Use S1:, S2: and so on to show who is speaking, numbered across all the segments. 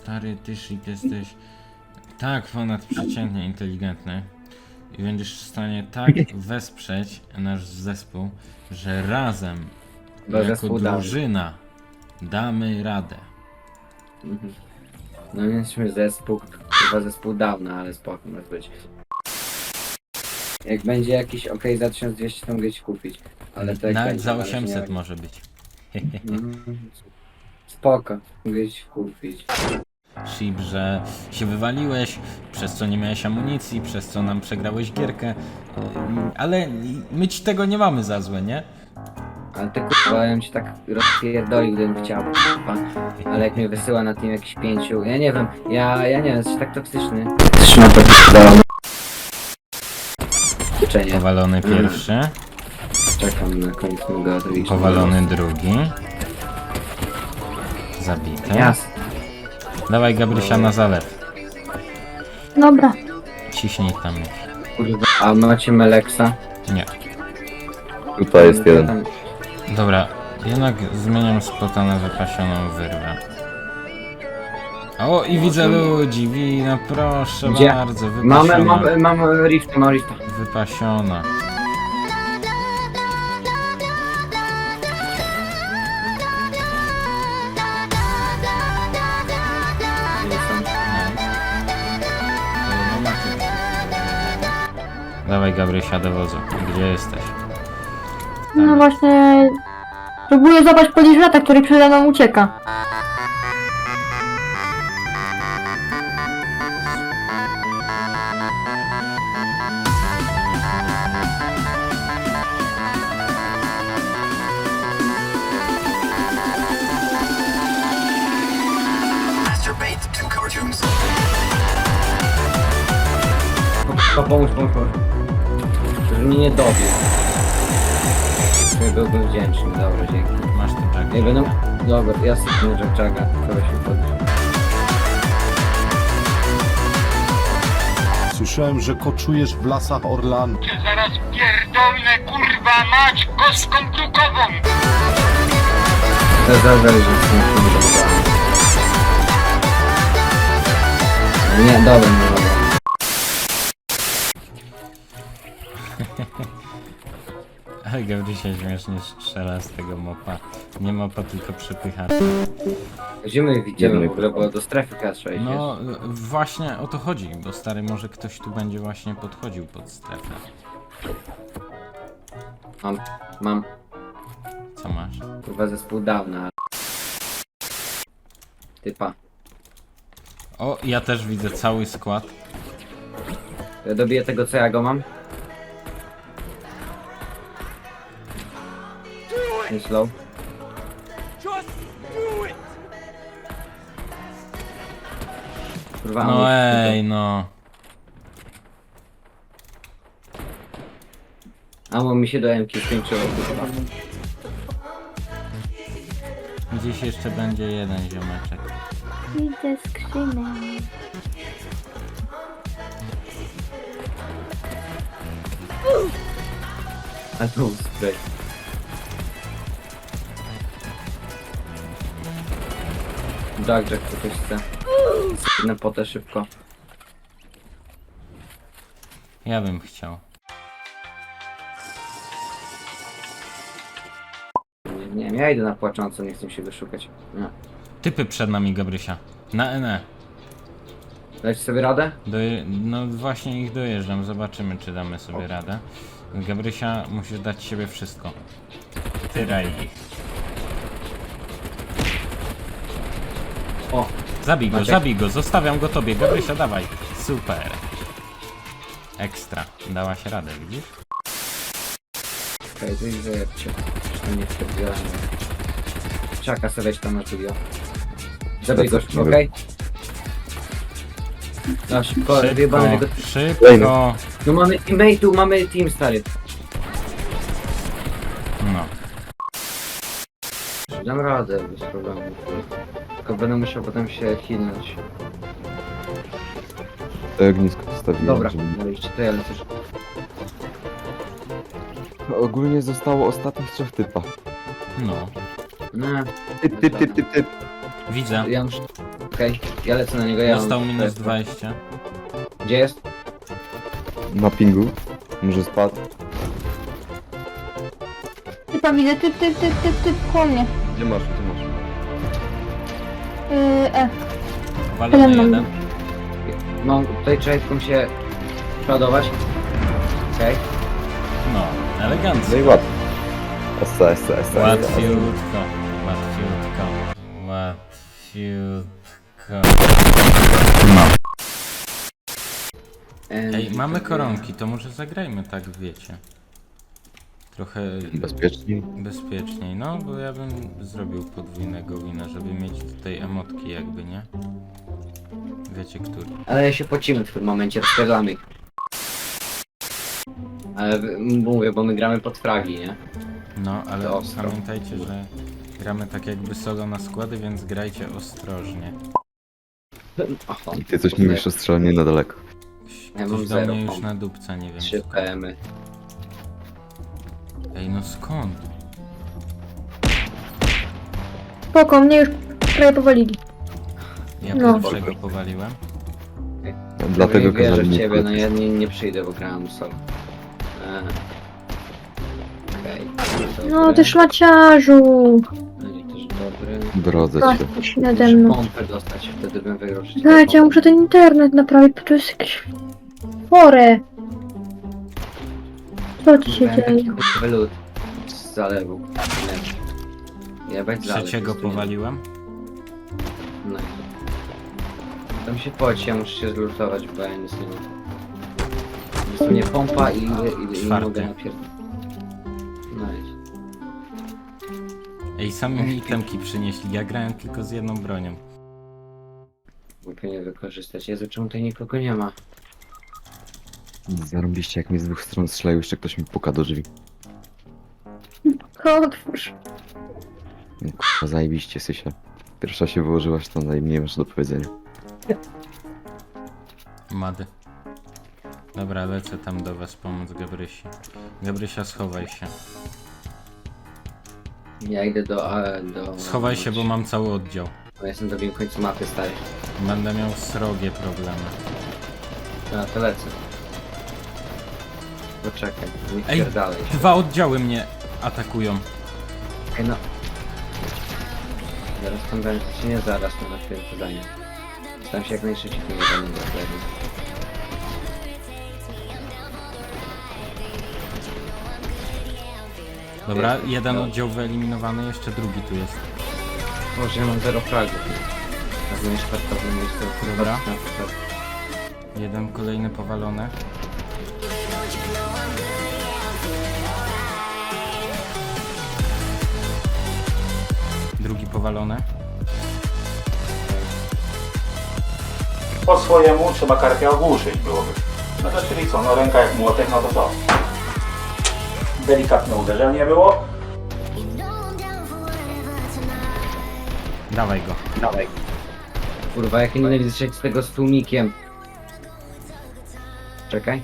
S1: Stary, ty Shit jesteś tak ponadprzeciętnie inteligentny i będziesz w stanie tak wesprzeć nasz zespół, że razem,
S2: Bo
S1: jako
S2: zespół damy.
S1: drużyna, damy radę.
S2: Mhm. No nie jesteśmy zespół, chyba zespół dawno, ale spoko może być. Jak będzie jakiś OK za 1200 to mogę ci kupić. Ale to jak
S1: Nawet
S2: będzie,
S1: za
S2: na razie
S1: 800
S2: nie
S1: może być.
S2: Mhm. Spoko, mogę ci kupić.
S1: Ship, że się wywaliłeś, przez co nie miałeś amunicji, przez co nam przegrałeś gierkę, ale my ci tego nie mamy za złe, nie?
S2: Ale ty kurwa, ja bym ci tak rozpierdolił, gdybym chciał, kurwa. Ale jak mnie wysyła na tym jakiś 5, ja nie wiem, ja nie wiem, jesteś tak toksyczny. Trzyma to życzenie.
S1: Powalony pierwszy,
S2: Czekam na koniec mego odwiedziny.
S1: powalony drugi. Zabity.
S2: Jasne.
S1: Dawaj Gabrysia na zalew.
S3: Dobra.
S1: Ciśnij tam.
S2: Kurwa, a macie Meleksa?
S1: Nie.
S4: Tutaj jest jeden.
S2: Tam-
S1: Dobra, jednak zmieniam spota na wypasioną wyrwę. O, i widzę ludzi, no proszę
S2: Gdzie?
S1: bardzo, wypasiona.
S2: Mamy rifta, mam rifta.
S1: Wypasiona.
S2: Nie są.
S1: Dawaj Gabrysia do wozu. Gdzie jesteś?
S3: No właśnie... Próbuję złapać podejrzewata, który przede mną ucieka.
S2: Pomóż. Żeby mnie nie dobił. Ja byłbym wdzięczny, dobra, dzięki.
S1: Masz tu czego?
S2: Nie będę... Dobra, ja sypnę Jack-Jacka, kogoś mi podnieść.
S5: Słyszałem, że koczujesz w lasach Orlanu.
S6: Zaraz pierdolnę, kurwa mać, kostką brukową!
S2: To zależy, że z tym filmem. Nie, dobra.
S1: Ale Gabrysia śmiesznie strzela z tego mopa. Nie mopa, tylko przepychacza.
S2: Gdzie my widzimy w ogóle, bo do strefy K6 jest.
S1: No, właśnie o to chodzi, bo stary, może ktoś tu będzie właśnie podchodził pod strefę.
S2: Mam,
S1: Co masz?
S2: kurwa, zespół dawna. Typa.
S1: O, ja też widzę cały skład.
S2: Ja dobiję tego, co ja go mam. Nie slow. Kurwa,
S1: No
S2: ammo.
S1: ej, no.
S2: Amo mi się do M-ki skończyło, kurwa.
S1: Gdzieś jeszcze będzie jeden ziomeczek.
S3: Widzę skrzynę.
S2: A tu spray. Jack, co ktoś chce. Jedne potę szybko.
S1: Ja bym chciał.
S2: Nie wiem, ja idę na płaczącą, nie chcę się wyszukać. Nie.
S1: Typy przed nami, Gabrysia. Na NE.
S2: Dać sobie radę?
S1: No właśnie ich dojeżdżam, zobaczymy czy damy sobie radę. Gabrysia, musisz dać siebie wszystko. Tyraj ich.
S2: O, Maciek.
S1: Zabij go, zostawiam go tobie. Gabrysia, dawaj. Super. Ekstra. Dałaś radę, widzisz?
S2: okej, to ich zajebcie. Zresztą nie wstąpiłem. Czaka sobie weź tam na studio. Zabij go szybko, okej? No szybko, wyjebane tego...
S1: Szybko.
S2: No mamy teammate'u, mamy team stary.
S1: No.
S2: Dam radę bez problemu. Tylko będę musiał potem się healnąć.
S4: To ognisko postawiłem.
S2: Dobra,
S4: żeby-
S2: mówicie, to ja lecę.
S4: Ogólnie zostało ostatnich 3 typa.
S1: No.
S2: No,
S4: Typ.
S1: Widzę.
S2: ja muszę... Okej, ja lecę na niego, ja
S1: Dostał
S2: mam-
S1: minus 20.
S2: Gdzie jest?
S4: Na pingu. Może spadł.
S3: Typa widzę, typ, koło mnie.
S4: Gdzie masz, gdzie masz?
S1: Walony
S3: Jeden mam.
S1: jeden.
S2: No, tutaj trzeba się przodować. Okej.
S1: No, elegancko.
S4: No i łatwo. Essa.
S1: Łatwiutko. Ej, mamy koronki, to może zagrajmy tak, wiecie. Trochę
S4: Bezpieczniej.
S1: bezpieczniej, no bo ja bym zrobił podwójnego wina, żeby mieć tutaj emotki jakby, nie? Wiecie który.
S2: Ale się pocimy w tym momencie, rozpierdamy ich. Ale mówię, bo my gramy pod fragi, nie?
S1: No, ale
S2: To ostro.
S1: pamiętajcie, że gramy tak jakby solo na składy, więc grajcie ostrożnie.
S2: Aha,
S4: I ty coś mówisz o strzelaniu na daleko.
S2: Ja
S1: Ktoś
S2: mam
S1: do
S2: zero
S1: mnie już
S2: pomp.
S1: na dupca, nie wiem.
S2: 3 PM-y.
S1: Ej, no skąd?
S3: Spoko, mnie już prawie powalili.
S1: Ja
S3: No.
S1: pierwszego powaliłem.
S4: No, dlatego
S2: nie wierzę
S4: kazali
S2: w
S4: mi
S2: ciebie, no
S4: wchodzić.
S2: ja nie przyjdę, bo grałem solo. Okej.
S3: No ty szmaciarzu.
S2: Będzie też dobry.
S4: Drodze się.
S3: Patrz nade mną.
S2: Pompę dostać, wtedy bym wygrał wszystkie
S3: Dajcie, ja
S2: pompy.
S3: muszę ten internet naprawić, bo to jest jakieś chore. Co ci się
S2: Miałem taki
S3: dzieje?
S2: chujowy lód z zalewu. Nie. Jebać zalew.
S1: Trzeciego
S2: jest tu nie-
S1: powaliłem.
S2: No i tam się poci, ja muszę się zlutować, bo ja nic nie mam. Jest tu nie pompa i nie
S1: Czwarty.
S2: mogę napierdolić. No i
S1: Ej, sami mi itemki przynieśli, ja grałem tylko z jedną bronią.
S2: głupio nie wykorzystać. Jezu, czemu tutaj nikogo nie ma?
S4: Zarobiście, jak mi z dwóch stron strzelają, jeszcze ktoś mi puka do drzwi.
S3: Otwórz.
S4: No, kurwa, zajebiście, Sysia. Pierwsza się wyłożyłaś, to nie masz do powiedzenia.
S1: Mady. Dobra, lecę tam do was pomóc Gabrysi. Gabrysia, schowaj się.
S2: Ja idę do...
S1: Schowaj się, bo mam cały oddział.
S2: Bo jestem na drugim końcu mapy, stary.
S1: Będę miał srogie problemy.
S2: No to lecę. Poczekaj, nie
S1: Ej,
S2: pierdalej się.
S1: Dwa oddziały mnie atakują.
S2: Ej, no. Zaraz tam będzie, czy nie zaraz, no na chwilę zadanie. Staram się jak najszybciej tym zadaniem dokładnie.
S1: Dobra, jeden oddział wyeliminowany, jeszcze drugi tu jest.
S2: Może ja mam 0 fragów. Tak nie szpartowym miejscu.
S1: Dobra. Jeden kolejny powalony. Drugi powalony.
S7: Po swojemu trzeba karpia ogłuszyć byłoby. No to czyli co, no ręka jak młotek, no to co? Delikatne uderzenie było.
S1: Dawaj go.
S2: Dawaj. Kurwa, jak nie nienawidzę strzelić z tego z tłumikiem. Czekaj.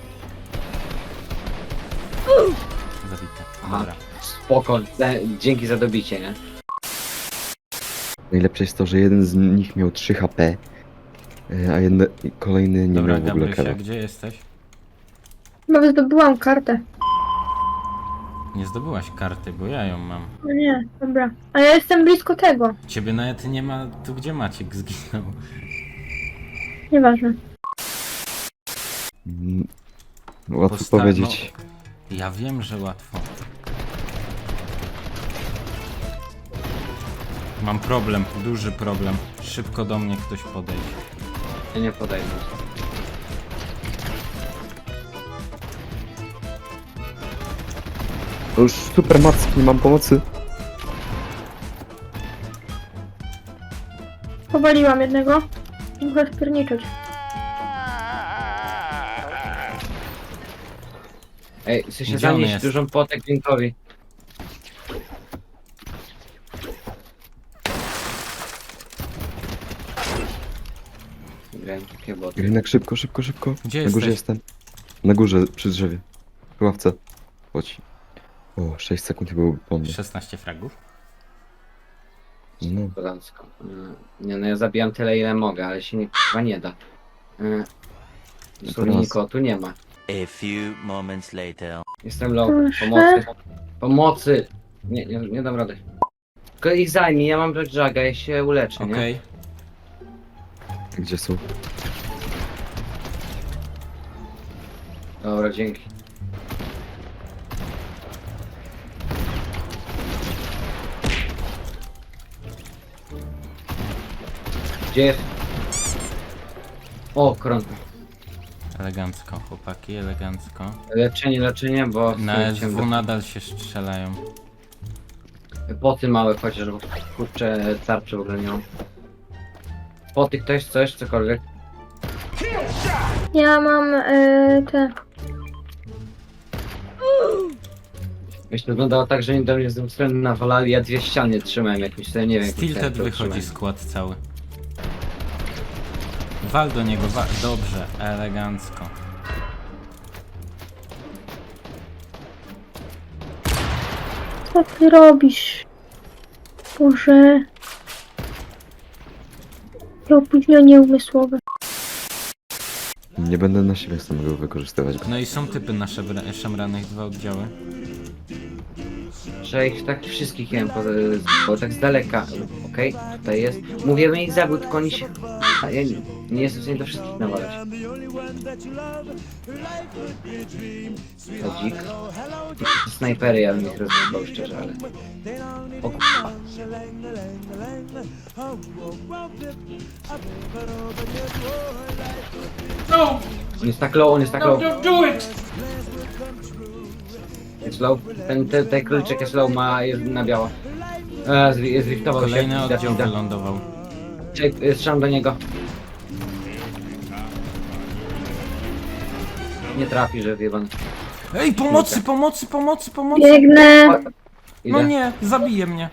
S1: Zabite.
S2: Aha.
S1: Dobra.
S2: Spoko, dzięki za dobicie, nie?
S4: Najlepsze jest to, że jeden z nich miał 3 HP, a kolejny nie
S1: Dobra,
S4: miał w ogóle
S1: Gabrysia,
S4: kara.
S1: gdzie jesteś?
S3: Chyba zdobyłam kartę.
S1: Nie zdobyłaś karty, bo ja ją mam.
S3: No nie, dobra. A ja jestem blisko tego.
S1: Ciebie nawet nie ma tu, gdzie Maciek zginął.
S3: Nieważne.
S4: Łatwo
S1: Posta-
S4: powiedzieć.
S1: No, ja wiem, że łatwo. Mam problem, duży problem. Szybko do mnie ktoś podejdzie.
S2: Ja nie podejdę.
S4: To już super macki, nie mam pomocy.
S3: Powaliłam jednego. Muszę spierniczeć.
S2: Ej, chcę się
S1: Gdzie on
S2: zanieść
S1: jest?
S2: dużą potek dźwiękowi. Grałem takie boty.
S4: Rynek, szybko.
S1: Gdzie
S4: Na górze
S1: jesteś?
S4: jestem. Na górze, przy drzewie. W ławce. Chodź. O, 6 sekund i byłby po mnie.
S1: 16 fragów.
S4: No.
S2: Kozacko. Nie no, ja zabijam tyle ile mogę, ale się chyba nie da. Dosłownie
S4: Teraz-
S2: nikogo tu nie ma.
S8: A few moments later.
S2: Jestem low.
S3: Proszę.
S2: Pomocy. Pomocy! Nie dam rady. Tylko ich zajmij, ja mam Black Jaga, ja się uleczę, nie?
S1: Okej.
S4: Gdzie są?
S2: Dobra, dzięki. Gdzie jest? O, kron.
S1: Elegancko, chłopaki, elegancko.
S2: Leczenie, bo...
S1: Na SW nadal się strzelają.
S2: Poty małe chociaż, bo kurczę tarczy w ogóle nie mam. Poty ktoś, coś, cokolwiek.
S3: Ja mam te...
S2: Myślę, wyglądało tak, że oni do mnie z tym strony nawalali, ja dwie ściany trzymałem jakimś, to nie wiem. jakim
S1: Stilted
S2: tempem
S1: wychodzi
S2: trzymałem.
S1: skład cały. Wal do niego, dobrze, elegancko.
S3: Co ty robisz? Boże... To opóźnienie umysłowe.
S4: Nie będę na siebie samego wykorzystywać.
S1: No i są typy na szemranych, 2 oddziały.
S2: Że ich tak wszystkich jem, bo tak z daleka. Okej, tutaj jest. Mówię, bym ich zabił, tylko oni się... A ja nie jestem w stanie do wszystkich nawalać. Chodzik. Snajpery ja bym ich rozwiązał szczerze, ale... O kurwa. On jest tak low, on jest tak low. Jest low. Ten króliczek jest low, jest na biało. Zwiftował się.
S1: Kolejny
S2: Widać,
S1: oddział
S2: widać.
S1: wylądował.
S2: Strzelam do niego. Nie trafi, że wjebany.
S1: Ej, pomocy, pomocy, pomocy, pomocy!
S3: Biegnę.
S1: No
S2: Idę.
S1: nie, zabije mnie.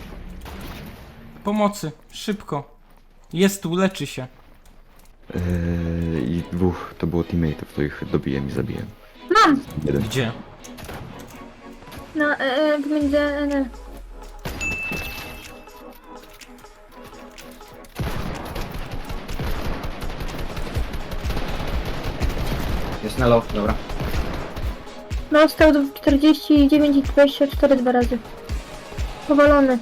S1: Pomocy, szybko. Jest tu, leczy się.
S4: I dwóch to było teammateów, to ich dobiłem i zabiłem.
S3: Mam!
S4: Jeden.
S1: Gdzie?
S3: Na pomiędzy NL.
S2: Jest na low, dobra.
S3: Dostał do 49 i 24 dwa razy. Powalony.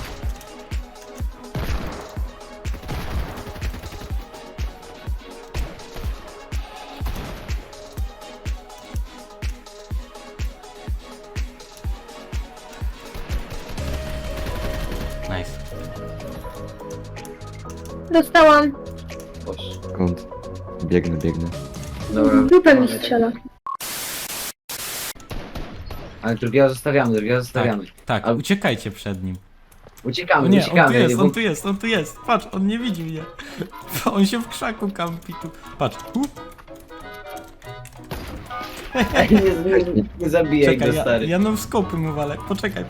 S1: Nice.
S3: Dostałam.
S2: Boże.
S4: Skąd? Biegnę.
S2: Dobra.
S3: Dupę mi strzela.
S2: Ale drugiego zostawiamy.
S1: Tak,
S2: A-
S1: uciekajcie przed nim.
S2: Uciekamy,
S1: O nie,
S2: uciekamy.
S1: on tu jest,
S2: bo-
S1: on tu jest, on tu jest. Patrz, on nie widzi mnie. On się w krzaku kampi tu. Patrz,
S2: nie zabijaj
S1: czekaj,
S2: go, stary.
S1: ja no skopy mu walę. Poczekaj.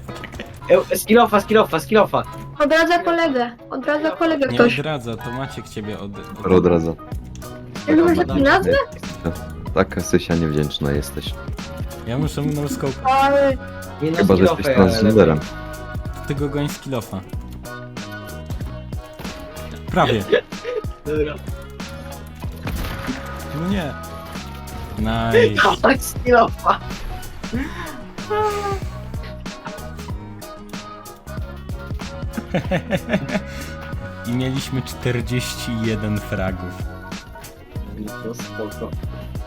S2: Skillofa.
S3: Odradza kolegę
S1: Nie
S3: ktoś.
S1: odradza, to Maciek ciebie
S4: Odradza.
S3: Jak masz taki nazwę?
S4: Taka Sysia niewdzięczna jesteś.
S1: Ja muszę mu no scope.
S3: Ale...
S2: Nie no,
S4: Chyba, że jesteś transgenderem.
S1: Ty go goń z kilofa. Prawie.
S2: Dobra.
S1: No nie. Nice.
S2: Tak, skillofa.
S1: I mieliśmy 41 fragów.
S2: No spoko.